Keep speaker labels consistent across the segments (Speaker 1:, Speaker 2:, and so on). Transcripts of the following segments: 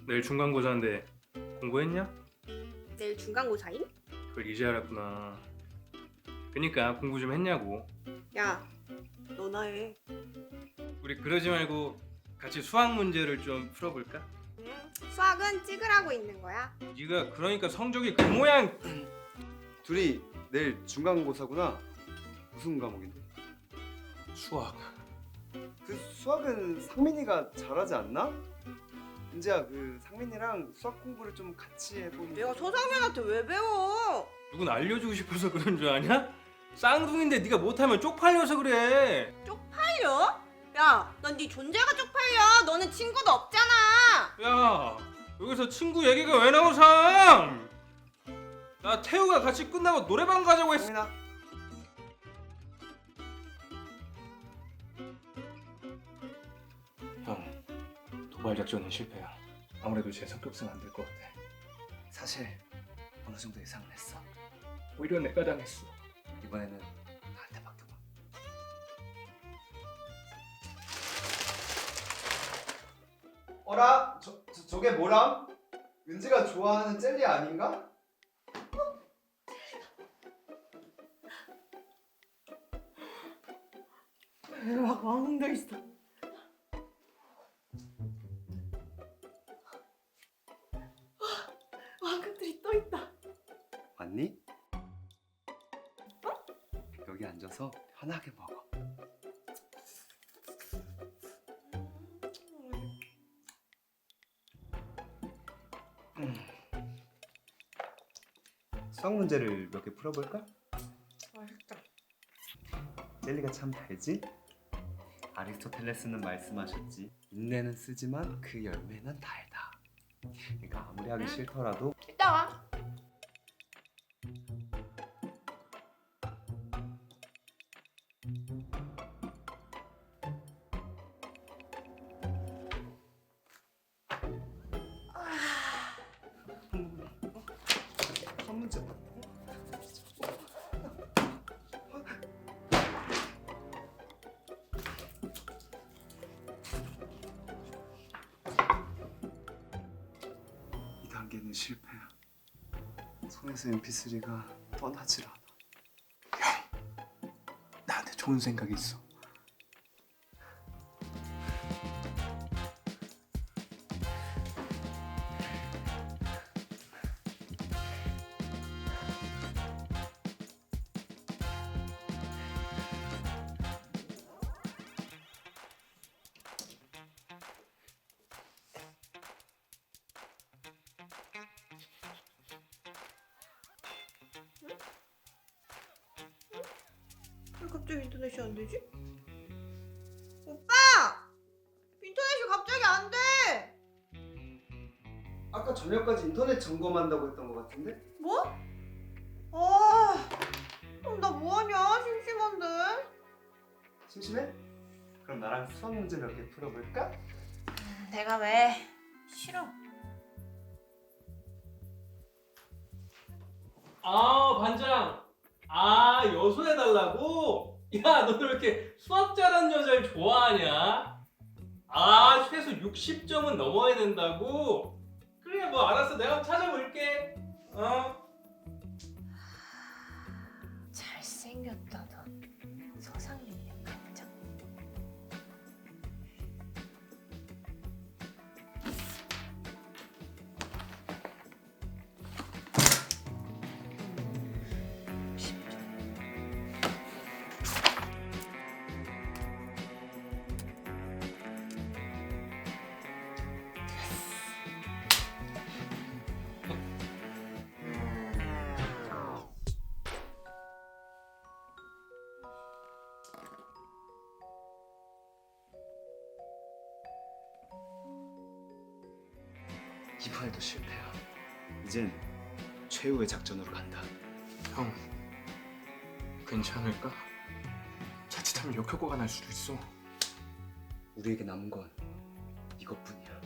Speaker 1: 내일 중간고사인데 공부했냐?
Speaker 2: 내일 중간고사임?
Speaker 1: 그걸 이제 알았구나. 그니까 공부 좀 했냐고.
Speaker 2: 야, 너나 해.
Speaker 1: 우리 그러지 말고 같이 수학 문제를 좀 풀어볼까?
Speaker 2: 수학은 찍으라고 있는 거야.
Speaker 1: 네가 그러니까 성적이 그 모양.
Speaker 3: 둘이 내일 중간고사구나. 무슨 과목인데?
Speaker 1: 수학.
Speaker 3: 그 수학은 상민이가 잘하지 않나? 은지야, 그 상민이랑 수학 공부를 좀 같이 해보면.
Speaker 2: 내가 서상민한테 왜 배워?
Speaker 1: 누군 알려주고 싶어서 그런 줄 아냐? 쌍둥이인데 네가 못하면 쪽팔려서 그래.
Speaker 2: 쪽팔려? 야, 넌 네 존재가 쪽팔려. 너는 친구도 없잖아.
Speaker 1: 야, 여기서 친구 얘기가 왜 나오삼? 나 태우가 같이 끝나고 노래방 가자고 했어.
Speaker 3: 상민아,
Speaker 1: 형, 도발 작전은 실패야. 아무래도 제 성격상 안 될 것 같아.
Speaker 3: 사실 어느 정도 예상은 했어.
Speaker 1: 오히려 내가 당했어.
Speaker 3: 이번에는 나한테 맡겨봐. 어라? 저게 뭐람? 은지가 좋아하는 젤리 아닌가?
Speaker 2: 대박, 왕도 있어. 왕금들이 또 있다.
Speaker 3: 왔니? 여기 앉아서 편하게 먹어. 수학 문제를 몇 개 풀어볼까?
Speaker 2: 맛있다.
Speaker 3: 젤리가 참 달지? 아리스토텔레스는 말씀하셨지. 인내는 쓰지만 그 열매는 달다. 그러니까 아무리 하기 싫더라도
Speaker 2: 이따 와.
Speaker 3: 한 문제. 이 단계는 실패야. 손에서 MP3가 떠나질 않아.
Speaker 1: 나한테 좋은 생각이 있어.
Speaker 2: 왜 갑자기 인터넷이 안 되지? 오빠! 인터넷이 갑자기 안 돼!
Speaker 3: 아까 저녁까지 인터넷 점검한다고 했던 것 같은데?
Speaker 2: 뭐? 아, 그럼 나 뭐하냐? 심심한데?
Speaker 3: 심심해? 그럼 나랑 수학 문제 몇 개 풀어볼까?
Speaker 2: 내가 왜? 싫어.
Speaker 1: 아, 반장. 아, 여소해달라고? 야, 너는 왜 이렇게 수학 잘하는 여자를 좋아하냐? 아, 최소 60점은 넘어야 된다고? 그래, 뭐 알았어. 내가 한번 찾아볼게. 어?
Speaker 2: 잘생겼다 너. 서상민이야 깜짝.
Speaker 3: 이번에도 실패야. 이젠 최후의 작전으로 간다.
Speaker 1: 형, 괜찮을까? 자칫하면 역효과가 날 수도 있어.
Speaker 3: 우리에게 남은 건 이것뿐이야.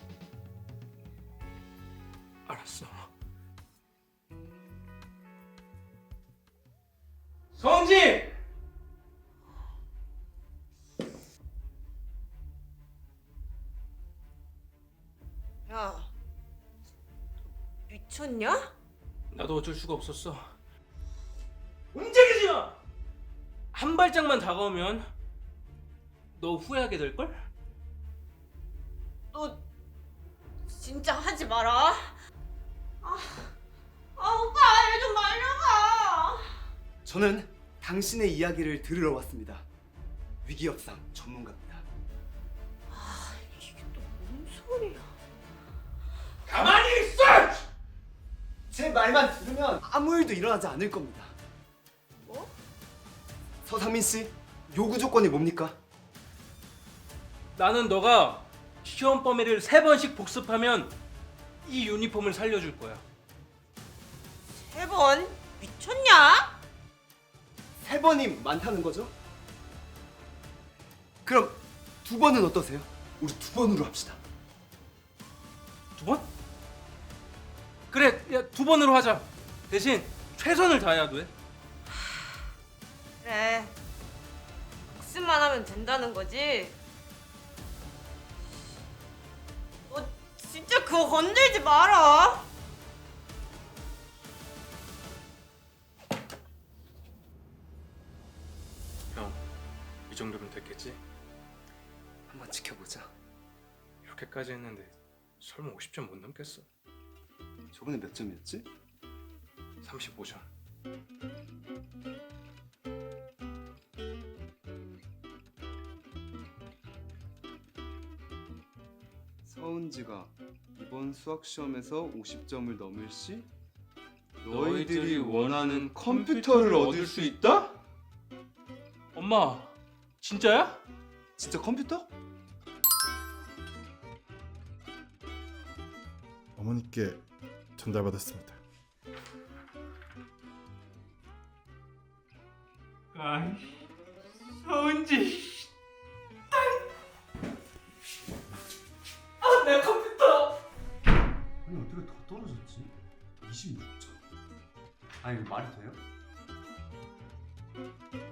Speaker 1: 알았어. 성지!
Speaker 2: 야, 미쳤냐?
Speaker 1: 나도 어쩔 수가 없었어. 움직이지 마! 한 발짝만 다가오면 너 후회하게 될걸?
Speaker 2: 너 진짜 하지 마라. 오빠 얘 좀 말려봐.
Speaker 3: 저는 당신의 이야기를 들으러 왔습니다. 위기협상 전문가입니다.
Speaker 2: 이게 또 뭔 소리야?
Speaker 1: 가만히 있어!
Speaker 3: 제 말만 들으면 아무 일도 일어나지 않을 겁니다.
Speaker 2: 뭐?
Speaker 3: 서상민 씨, 요구 조건이 뭡니까?
Speaker 1: 나는 너가 시험 범위를 3번씩 복습하면 이 유니폼을 살려줄 거야.
Speaker 2: 3번? 미쳤냐?
Speaker 3: 3번이 많다는 거죠? 그럼 2번은 어떠세요? 우리 2번으로 합시다.
Speaker 1: 2번? 그래, 야 2번으로 하자. 대신 최선을 다해야 돼.
Speaker 2: 그래. 복습만 하면 된다는 거지? 너 진짜 그거 건들지 마라.
Speaker 1: 형, 이 정도면 됐겠지?
Speaker 3: 한번 지켜보자.
Speaker 1: 이렇게까지 했는데 설마 50점 못 넘겠어?
Speaker 3: 저번에 몇 점이었지?
Speaker 1: 35점.
Speaker 3: 서은지가 이번 수학 시험에서 50점을 넘을 시
Speaker 1: 너희들이 원하는 컴퓨터를 얻을 수 있다? 엄마, 진짜야?
Speaker 3: 진짜 컴퓨터?
Speaker 4: 어머니께 전달받았습니다.
Speaker 1: 아이, 서은지. 내 컴퓨터.
Speaker 3: 아니 어떻게 더 떨어졌지? 26점. 아니 이거 말이 돼요?